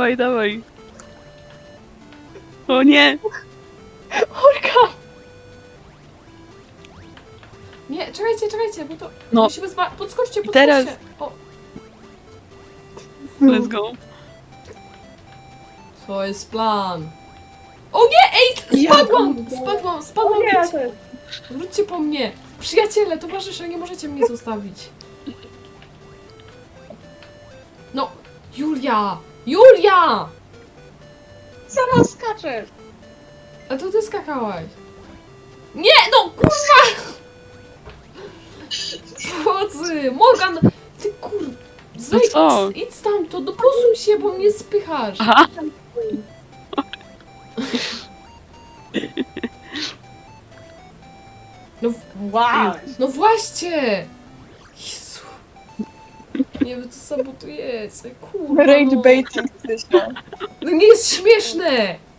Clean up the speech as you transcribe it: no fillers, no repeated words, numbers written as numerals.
Dawaj, dawaj. O nie! Olka! Nie, czekajcie, bo to... No. Musimy podskoczcie. teraz. O, Let's go. to jest plan. O nie, ej, spadłam, Nie, wróćcie, to jest... wróćcie po mnie. Przyjaciele, towarzysze, nie możecie mnie zostawić. No, Julia! Sama skaczesz! A to ty skakałaś. Nie, no kurwa! Chodzy, Morgan, ty kur... Zejdź, co? idź stamtąd, no posuń się, bo mnie spychasz. Aha. No, Wow! no właśnie! Jezu. Nie wiem, co sabotujecie, kurwa, Rage no. baiting, Krysia. No nie jest śmieszne!